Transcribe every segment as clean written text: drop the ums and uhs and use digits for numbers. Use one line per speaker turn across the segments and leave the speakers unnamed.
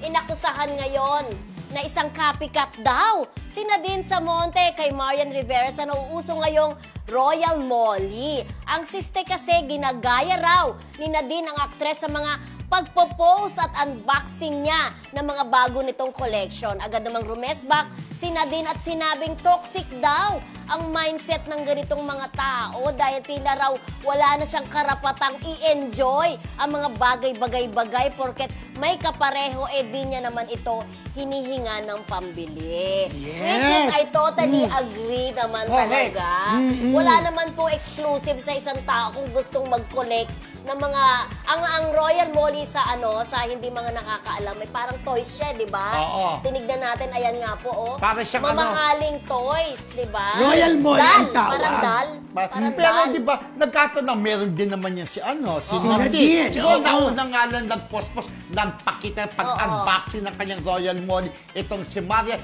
inakusahan ngayon na isang copycat daw. Si Nadine Samonte kay Marian Rivera sa nauuso ngayong Royal Molly. Ang siste kasi ginagaya raw ni Nadine ang aktres sa mga pagpo-post at unboxing niya ng mga bago nitong collection. Agad namang rumesbak si Nadine at sinabing toxic daw ang mindset ng ganitong mga tao dahil tila raw wala na siyang karapatang i-enjoy ang mga bagay-bagay-bagay porket may kapareho di niya naman ito hinihinga ng pambili.
Yes.
Which is I totally agree naman talaga. Wala naman po exclusive sa isang tao kung gustong mag-collect ng mga ang Royal Molly sa hindi mga nakakaalam ay parang toys siya, 'di ba?
Oo.
Tinignan natin, ayan nga po
Para siyang
mamahaling toys, 'di ba?
Royal Molly ang tawag.
Parang dal. Parang
Pero
dal.
di ba, nagkataon na meron din naman yan si
Nadine.
Nadine. Siguro
Oo.
nauna nga lang nag-post-post, nagpakita, pag-unboxing ng kanyang Royal Molly. Itong si Maria,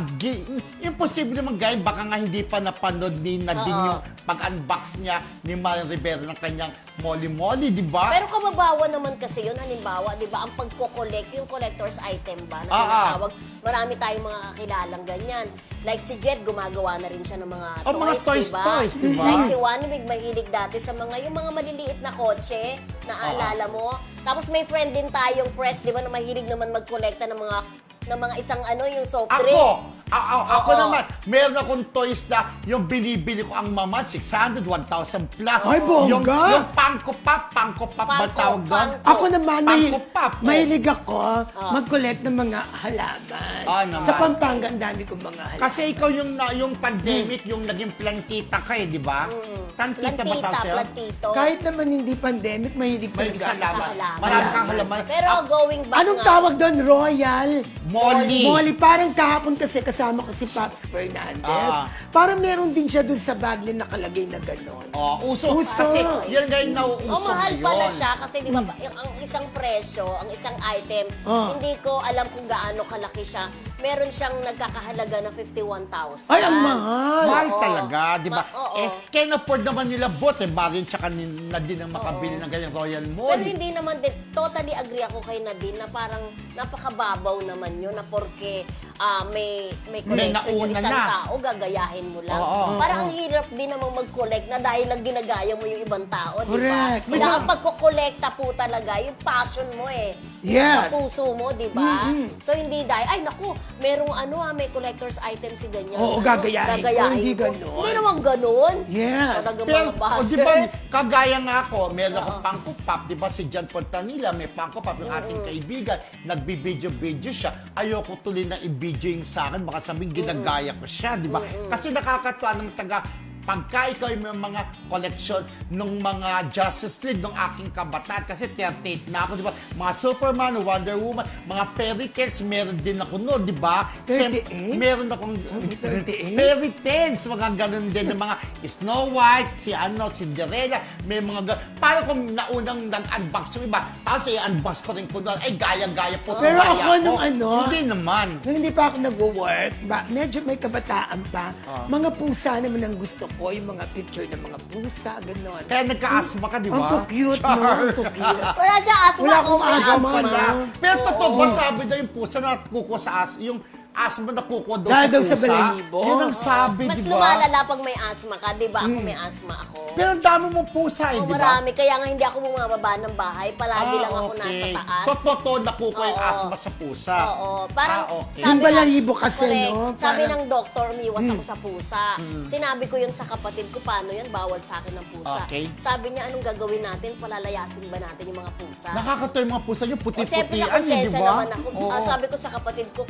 imposible naman gaya, baka nga hindi pa napanood ni Nadine yung pag-unbox niya ni Maria Rivera ng kanyang Molly Molly, di ba?
Pero kababawan naman kasi yun, halimbawa, di ba, ang pagko-collect, yung collector's item ba, na tinatawag, marami tayong mga kakilalang ganyan. Like si Jet, gumagawa na rin siya ng mga toys,
mga toys,
diba?
toys, diba?
Like si Wanwig, mahilig dati sa yung mga maliliit na kotse, naaalala mo? Tapos may friend din tayong press, di ba, na mahilig naman mag-collecta ng mga isang yung soft drinks.
Ako naman, meron akong toys na yung binibili ko ang mama, 600, 1,000 plus.
Ay, bongga!
Yung Funko Pop ba tawag doon?
Ako naman,
Funko Pop.
mahilig ako mag-collect ng mga halaman.
Naman.
Sa Pampanga, ang dami kong mga halaman.
Kasi ikaw yung pandemic, yung naging plantita ka di ba? Plantita ba tawag sa'yo?
Plantito.
Kahit naman hindi pandemic, mahilig
May
talaga.
halaman. Marami kang halaman.
Pero going back
Anong
nga,
tawag doon? Royal?
Molly.
Molly. Parang kahapon kasi kasama ko si Pops Fernandez. Parang meron din siya dun sa bag na nakalagay na gano'n.
Uso. Kasi yan nga yung nauuso
mahal
ngayon.
pala siya kasi di ba ang isang presyo, ang isang item, hindi ko alam kung gaano kalaki siya. Meron siyang nagkakahalaga na 51,000.
Ay, ang mahal.
Mahal talaga, di ba?
Oo.
Can afford naman nila both. Marin tsaka Nadine ang makabili ng ganyang Royal
Pero
Molly.
hindi naman din, totally agree ako kay Nadine na parang napakababaw naman yun na porke may collection yung
nauna
isang
na.
tao, gagayahin mo lang.
Oo.
Parang ang hirap din namang mag-collect na dahil lang ginagaya mo yung ibang tao, di ba?
Correct.
Kaya ang pagkukolekta po talaga, yung passion mo
Yes.
sa puso mo, di ba? So hindi dahil, ay naku, merong may collector's item si ganyan.
Oo, gagayahin ko. Hindi
ko.
ganon.
Hindi naman ganon.
Yes.
Talagang
Pero,
mga bashers.
di ba, kagaya nga ako, meron akong Funko Pop, di ba, si John Pontanilla, may Funko Pop, yung ating kaibigan, nagbibideo-video siya, ayoko tuloy na i-video yung sa akin, baka sabihin ginagaya ko siya, di ba? Kasi nakakatuwa ng pagka ikaw yung mga collections ng mga Justice League ng aking kabataan, kasi 38 na ako, di ba? Mga Superman, Wonder Woman, mga fairy tales, meron din ako noon, di ba?
38?
Meron akong
38?
fairy tales, mga ganun din, ng mga Snow White, Cinderella, may mga parang kung naunang nag-unbox yung iba, tapos i-unbox ko rin ko doon, ay gaya-gaya po.
Pero
gaya
ako nung
hindi naman.
nung hindi pa ako nag-work, medyo may kabataan pa, mga pusa naman ang gusto ko, yung mga picture ng mga pusa, gano'n.
Kaya nagka-asthma ka, di ba?
Ang cute, no? Ang cute.
Wala siya asthma.
Wala akong
may
asthma.
Wala. Pero totoo ba sabi daw yung pusa na kuko sa yung asthma na kuko daw
Dahil
sa
daw
pusa?
sa balahibo.
Yun ang sabi,
Mas
di ba?
lumalala pag may asthma ka, di ba? Ako may asthma ako.
Pero ang dami mong pusa,
Oo,
di ba?
marami. Kaya nga hindi ako bumababa ng bahay. Palagi lang ako nasa taas.
So, totoo na kuko yung
Oo.
asthma sa pusa.
Oo. Parang,
okay.
Yung balahibo kasi,
correct.
no?
Sabi
Parang-
ng doktor, umiwas ako sa pusa. Sinabi ko yun sa kapatid ko, paano yan? Bawal sa akin ng pusa.
Okay.
Sabi niya, anong gagawin natin? Palalayasin ba natin yung mga pusa?
Nakakatawa yung mga pusa nyo,
O, syempre,
puti-putian, di
nakonsensya
ba?
naman ako.
Oo.
Sabi ko sa kapatid ko,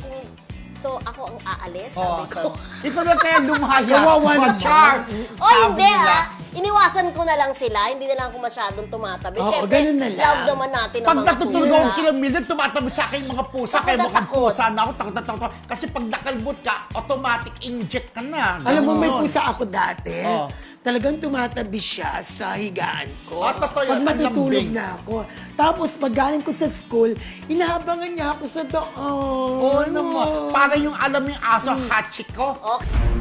so ako ang aalis, sabi ko.
Ikaw na kaya lumaya.
Kawawa naman.
Char.
O hindi iniwasan ko na lang sila, hindi na lang ako masyadong tumatabi.
Oo,
Syempre,
ganun na lang.
love naman natin ang
Pag
mga
natutulog
pusa.
ako sila, Mildred, tumatabi sa akin yung mga pusa.
Takot
Kaya
na
mukhang
takot.
pusa na ako, takot na takot. Kasi pag nakalbot ka, automatic inject ka na.
Alam mo, may
Ganon.
pusa ako dati.
Oh.
Talagang tumatabi siya sa higaan ko.
Totoo
Pag
yun,
matutulog
panlambing.
na ako. Tapos, pag galing ko sa school, inahabangan niya ako sa daan.
Oo naman. Para yung alam yung aso, hachiko.
Okay.